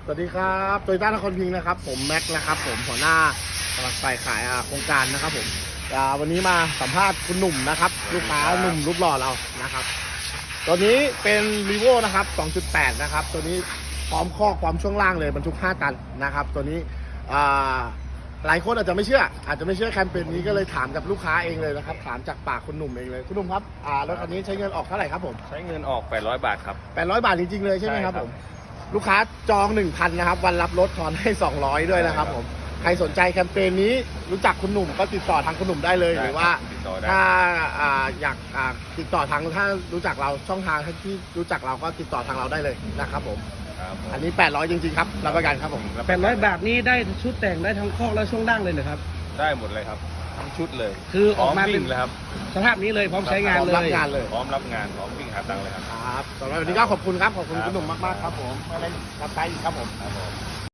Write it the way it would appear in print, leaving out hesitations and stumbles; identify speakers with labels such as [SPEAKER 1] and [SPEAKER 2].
[SPEAKER 1] สวัสดีครับโตโยต้านครพิงค์นะครับผมแม็กนะครับผมหัวหน้าฝ่ายขายโครงการนะครับผมวันนี้มาสัมภาษณ์คุณหนุ่มนะครับลูกค้าหนุ่มรูปหล่อเรานะครับตัวนี้เป็น Revo นะครับ 2.8 นะครับตัวนี้พร้อมข้อความช่วงล่างเลยบรรทุก5 ตันนะครับตัวนี้หลายคนอาจจะไม่เชื่อแคมเปญนี้ก็เลยถามกับลูกค้าเองเลยนะครับถามจากปากคุณหนุ่มเองเลยคุณหนุ่มครับรถคันนี้ใช้เงินออกเท่าไหร่ครับผม
[SPEAKER 2] ใช้เงินออก800 บาทครับ
[SPEAKER 1] 800 บาทจริงๆเลยใช่ไหมครับผมลูกค้าจอง 1,000 นะครับวันรับรถทอนให้200ด้วยนะครับผมใครสนใจแคมเปญนี้รู้จักคุณหนุ่มก็ติดต่อทางคุณหนุ่มได้เลยหรือว่าถ้าอยากติดต่อทางถ้ารู้จักเราช่องทางที่รู้จักเราก็ติดต่อทางเราได้เลยนะครับผมอันนี้800จริงๆครับรับประกันครับผม
[SPEAKER 3] 800 บาทนี้ได้ชุดแต่งได้ทั้งคอกและช่วงล่างเลยเหรอครับ
[SPEAKER 2] ได้หมดเลยครับทั้งชุดเลย
[SPEAKER 3] คือออกมาเป็น
[SPEAKER 2] เลยครับ
[SPEAKER 3] สภาพนี้เลยพร้อมใช้งานเลย
[SPEAKER 1] พร้อมรับงานเลย
[SPEAKER 2] พร้อมรับงานพร้อมวิ่งหาตังค์เลยครับ
[SPEAKER 1] ครับสำหรับวันนี้ก็ขอบคุณครับขอบคุณคุณหนุ่มมากๆครับผมไม่ได้รับใช้อีกครับผม